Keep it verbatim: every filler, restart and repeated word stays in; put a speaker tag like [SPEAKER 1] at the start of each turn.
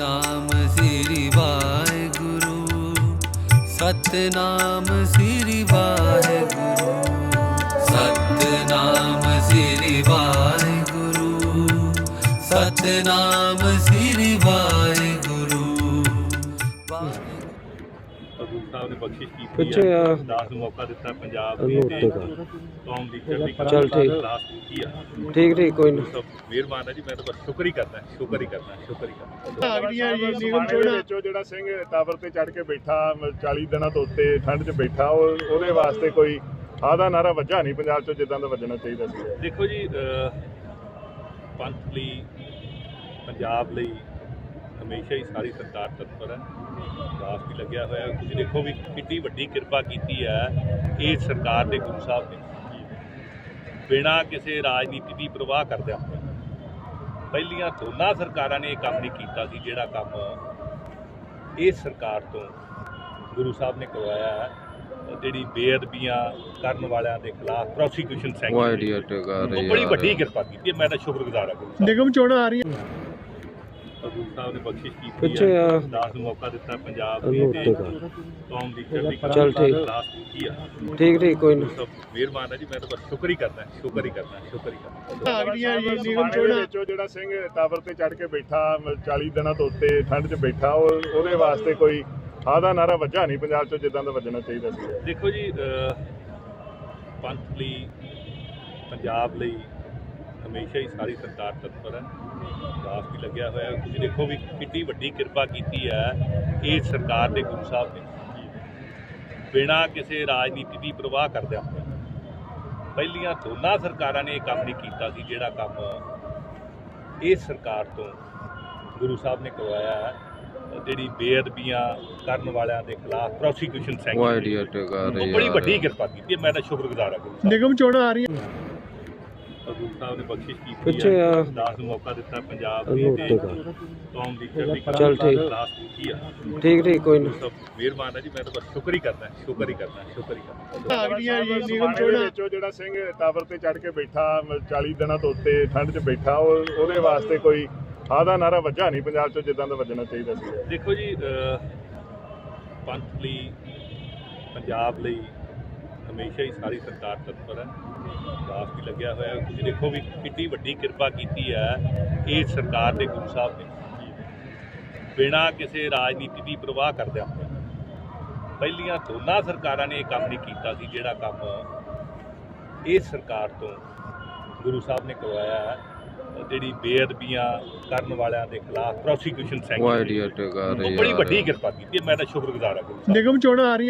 [SPEAKER 1] सतनाम श्री वाहेगुरु, सतनाम श्री वाहेगुरु, सतनाम श्री वाहेगुरु, सतनाम श्री वाहेगुरु।
[SPEAKER 2] ਗੁਰੂ ਸਾਹਿਬ ਨੇ ਬਖਸ਼ਿਸ਼ ਕੀਤੀ
[SPEAKER 3] ਪਿੱਛੇ
[SPEAKER 2] ਹੈ
[SPEAKER 3] ਆ
[SPEAKER 2] ਦਾਸ ਨੂੰ ਮੌਕਾ ਦਿੱਤਾ ਪੰਜਾਬ ਦੀ
[SPEAKER 3] ਉਹਨੂੰ
[SPEAKER 2] ਤੇ
[SPEAKER 3] ਉੱਤੇ ਕਰ।
[SPEAKER 2] ਕੌਮ ਦੀ ਚੜ੍ਹਦੀ ਕਲਾ
[SPEAKER 3] ਚੱਲ ਠੀਕ।
[SPEAKER 2] ਕਲਾਸ ਕੀਤੀ ਆ।
[SPEAKER 3] ਠੀਕ ਠੀਕ ਕੋਈ ਨਾ।
[SPEAKER 2] ਸਭ ਮਿਹਰਬਾਨ ਹੈ ਜੀ, ਮੈਂ ਤਾਂ ਬਸ ਸ਼ੁਕਰ ਹੀ ਕਰਦਾ ਸ਼ੁਕਰ ਹੀ ਕਰਦਾ ਸ਼ੁਕਰ ਹੀ ਕਰਦਾ
[SPEAKER 4] ਅਗਲੀਆਂ ਜੀ ਨਿਗਮ ਚੋਣਾਂ ਵਿੱਚੋਂ ਜਿਹੜਾ ਸਿੰਘ ਟਾਵਰ ਤੇ ਚੜ ਕੇ ਬੈਠਾ ਚਾਲੀ ਦਿਨਾਂ ਤੋਂ ਉੱਤੇ ਠੰਡ 'ਚ ਬੈਠਾ, ਉਹ ਉਹਦੇ ਵਾਸਤੇ ਕੋਈ ਆਦਾ ਨਾਰਾ ਵੱਜਾ ਨਹੀਂ ਪੰਜਾਬ 'ਚੋਂ ਜਿੱਦਾਂ ਦਾ ਵੱਜਣਾ ਚਾਹੀਦਾ ਸੀ।
[SPEAKER 2] ਦੇਖੋ ਜੀ, ਅਹ, ਪੰਥ ਲਈ ਪੰਜਾਬ ਲਈ ਹਮੇਸ਼ਾ ਹੀ ਸਾਰੀ ਸਰਕਾਰ ਤਤਪਰ ਹੈ, ਦਾਸ ਵੀ ਲੱਗਿਆ ਹੋਇਆ। ਤੁਸੀਂ ਦੇਖੋ ਵੀ ਕਿੰਨੀ ਵੱਡੀ ਕਿਰਪਾ ਕੀਤੀ ਹੈ ਇਹ ਸਰਕਾਰ ਦੇ ਗੁਰੂ ਸਾਹਿਬ ਨੇ, ਬਿਨਾਂ ਕਿਸੇ ਰਾਜਨੀਤੀ ਦੀ ਪ੍ਰਵਾਹ ਕਰਦਿਆਂ ਪਹਿਲੀਆਂ ਦੋਨਾਂ ਸਰਕਾਰਾਂ ਨੇ ਇਹ ਕੰਮ ਨਹੀਂ ਕੀਤਾ ਸੀ ਜਿਹੜਾ ਕੰਮ ਇਹ ਸਰਕਾਰ ਤੋਂ ਗੁਰੂ ਸਾਹਿਬ ਨੇ ਕਰਵਾਇਆ ਹੈ। ਜਿਹੜੀ ਬੇਅਦਬੀਆਂ ਕਰਨ ਵਾਲਿਆਂ ਦੇ ਖਿਲਾਫ ਪ੍ਰੋਸੀਕਿਊਸ਼ਨ ਸੈਂਕਸ਼ਨ, ਬੜੀ ਵੱਡੀ ਕਿਰਪਾ ਕੀਤੀ ਹੈ। ਮੈਂ ਤਾਂ ਸ਼ੁਕਰਗੁਜ਼ਾਰ ਹਾਂ ਗੁਰੂ ਸਾਹਿਬ।
[SPEAKER 4] ਨਿਗਮ ਚੋਣਾਂ ਆ ਰਹੀਆਂ,
[SPEAKER 2] ਗੁਰੂ ਸਾਹਿਬ ਨੇ ਬਖਸ਼ਿਸ਼ ਕੀਤੀ
[SPEAKER 3] ਪਿੱਛੇ
[SPEAKER 2] ਹੈ
[SPEAKER 3] ਆ
[SPEAKER 2] ਦਾਸ ਨੂੰ ਮੌਕਾ ਦਿੱਤਾ ਪੰਜਾਬ ਦੀ
[SPEAKER 3] ਉਹਨੂੰ
[SPEAKER 2] ਤੇ
[SPEAKER 3] ਉੱਤੇ ਕਰ।
[SPEAKER 2] ਕੌਮ ਦੀ ਚੜ੍ਹਦੀ ਕਲਾ
[SPEAKER 3] ਚੱਲ ਠੀਕ।
[SPEAKER 2] ਕਲਾਸ ਕੀਤੀ ਆ।
[SPEAKER 3] ਠੀਕ ਠੀਕ ਕੋਈ ਨਾ।
[SPEAKER 2] ਸਭ ਮਿਹਰਬਾਨ ਹੈ ਜੀ, ਮੈਂ ਤਾਂ ਬਸ ਸ਼ੁਕਰ ਹੀ ਕਰਦਾ ਸ਼ੁਕਰ ਹੀ ਕਰਦਾ ਸ਼ੁਕਰ ਹੀ ਕਰਦਾ
[SPEAKER 4] ਅਗਲੀਆਂ ਜੀ ਨਿਗਮ ਚੋਣਾਂ ਵਿੱਚੋਂ ਜਿਹੜਾ ਸਿੰਘ ਟਾਵਰ ਤੇ ਚੜ ਕੇ ਬੈਠਾ ਚਾਲੀ ਦਿਨਾਂ ਤੋਂ ਉੱਤੇ ਠੰਡ 'ਚ ਬੈਠਾ, ਉਹ ਉਹਦੇ ਵਾਸਤੇ ਕੋਈ ਆਦਾ ਨਾਰਾ ਵੱਜਾ ਨਹੀਂ ਪੰਜਾਬ 'ਚੋਂ ਜਿੱਦਾਂ ਦਾ ਵੱਜਣਾ ਚਾਹੀਦਾ ਸੀ।
[SPEAKER 2] ਦੇਖੋ ਜੀ, ਅਹ, ਪੰਥ ਲਈ ਪੰਜਾਬ ਲਈ ਹਮੇਸ਼ਾ ਹੀ ਸਾਰੀ ਸਰਕਾਰ ਤਤਪਰ ਹੈ, ਦਾਸ ਵੀ ਲੱਗਿਆ ਹੋਇਆ। ਤੁਸੀਂ ਦੇਖੋ ਵੀ ਕਿੰਨੀ ਵੱਡੀ ਕਿਰਪਾ ਕੀਤੀ ਹੈ ਇਹ ਸਰਕਾਰ ਦੇ ਗੁਰੂ ਸਾਹਿਬ ਨੇ, ਬਿਨਾਂ ਕਿਸੇ ਰਾਜਨੀਤੀ ਦੀ ਪ੍ਰਵਾਹ ਕਰਦਿਆਂ ਪਹਿਲੀਆਂ ਦੋਨਾਂ ਸਰਕਾਰਾਂ ਨੇ ਇਹ ਕੰਮ ਨਹੀਂ ਕੀਤਾ ਸੀ ਜਿਹੜਾ ਕੰਮ ਇਹ ਸਰਕਾਰ ਤੋਂ ਗੁਰੂ ਸਾਹਿਬ ਨੇ ਕਰਵਾਇਆ ਹੈ। ਜਿਹੜੀ ਬੇਅਦਬੀਆਂ ਕਰਨ ਵਾਲਿਆਂ ਦੇ ਖਿਲਾਫ ਪ੍ਰੋਸੀਕਿਊਸ਼ਨ ਸੈਂਕਸ਼ਨ, ਬੜੀ ਵੱਡੀ ਕਿਰਪਾ ਕੀਤੀ ਹੈ। ਮੈਂ ਤਾਂ ਸ਼ੁਕਰਗੁਜ਼ਾਰ ਹਾਂ ਗੁਰੂ ਸਾਹਿਬ।
[SPEAKER 4] ਨਿਗਮ ਚੋਣਾਂ ਆ ਰਹੀਆਂ,
[SPEAKER 2] ਗੁਰੂ ਸਾਹਿਬ ਨੇ ਬਖਸ਼ਿਸ਼ ਕੀਤੀ
[SPEAKER 3] ਪਿੱਛੇ
[SPEAKER 2] ਹੈ
[SPEAKER 3] ਆ
[SPEAKER 2] ਦਾਸ ਨੂੰ ਮੌਕਾ ਦਿੱਤਾ ਪੰਜਾਬ ਦੀ
[SPEAKER 3] ਉਹਨੂੰ
[SPEAKER 2] ਤੇ
[SPEAKER 3] ਉੱਤੇ ਕਰ।
[SPEAKER 2] ਕੌਮ ਦੀ ਚੜ੍ਹਦੀ
[SPEAKER 3] ਚੱਲ
[SPEAKER 2] ਕਲਾ
[SPEAKER 3] ਠੀਕ।
[SPEAKER 2] ਕਲਾਸ ਕੀਤੀ ਆ।
[SPEAKER 3] ਠੀਕ ਠੀਕ ਕੋਈ ਨਾ।
[SPEAKER 2] ਸਭ ਮਿਹਰਬਾਨ ਹੈ ਜੀ, ਮੈਂ ਤਾਂ ਬਸ ਸ਼ੁਕਰ ਹੀ ਕਰਦਾ ਸ਼ੁਕਰ ਹੀ ਕਰਦਾ ਸ਼ੁਕਰ ਹੀ ਕਰਦਾ
[SPEAKER 4] ਅਗਲੀਆਂ ਜੀ ਨਿਗਮ ਚੋਣਾਂ ਵਿੱਚੋਂ ਜਿਹੜਾ ਸਿੰਘ ਟਾਵਰ ਤੇ ਚੜ ਕੇ ਬੈਠਾ ਚਾਲੀ ਦਿਨਾਂ ਤੋਂ ਉੱਤੇ ਠੰਡ 'ਚ ਬੈਠਾ, ਉਹ ਉਹਦੇ ਵਾਸਤੇ ਕੋਈ ਆਦਾ ਨਾਰਾ ਵੱਜਾ ਨਹੀਂ ਪੰਜਾਬ 'ਚੋਂ ਜਿੱਦਾਂ ਦਾ ਵੱਜਣਾ ਚਾਹੀਦਾ ਸੀ।
[SPEAKER 2] ਦੇਖੋ ਜੀ, ਅਹ, ਪੰਥ ਲਈ ਪੰਜਾਬ ਲਈ ਹਮੇਸ਼ਾ ਹੀ ਸਾਰੀ ਸਰਕਾਰ ਤਤਪਰ ਹੈ, ਦਾਸ ਵੀ ਲੱਗਿਆ ਹੋਇਆ। ਤੁਸੀਂ ਦੇਖੋ ਵੀ ਕਿੰਨੀ ਵੱਡੀ ਕਿਰਪਾ ਕੀਤੀ ਹੈ ਇਹ ਸਰਕਾਰ ਦੇ ਗੁਰੂ ਸਾਹਿਬ ਨੇ, ਬਿਨਾਂ ਕਿਸੇ ਰਾਜਨੀਤੀ ਦੀ ਪ੍ਰਵਾਹ ਕਰਦਿਆਂ ਪਹਿਲੀਆਂ ਦੋਨਾਂ ਸਰਕਾਰਾਂ ਨੇ ਇਹ ਕੰਮ ਨਹੀਂ ਕੀਤਾ ਸੀ ਜਿਹੜਾ ਕੰਮ ਇਹ ਸਰਕਾਰ ਤੋਂ ਗੁਰੂ ਸਾਹਿਬ ਨੇ ਕਰਵਾਇਆ ਹੈ। ਜਿਹੜੀ ਬੇਅਦਬੀਆਂ ਕਰਨ ਵਾਲਿਆਂ ਦੇ ਖਿਲਾਫ ਪ੍ਰੋਸੀਕਿਊਸ਼ਨ ਸੈਂਕਸ਼ਨ, ਬੜੀ ਵੱਡੀ ਕਿਰਪਾ ਕੀਤੀ ਹੈ। ਮੈਂ ਤਾਂ ਸ਼ੁਕਰਗੁਜ਼ਾਰ ਹਾਂ ਗੁਰੂ ਸਾਹਿਬ।
[SPEAKER 4] ਨਿਗਮ ਚੋਣਾਂ ਆ ਰਹੀਆਂ।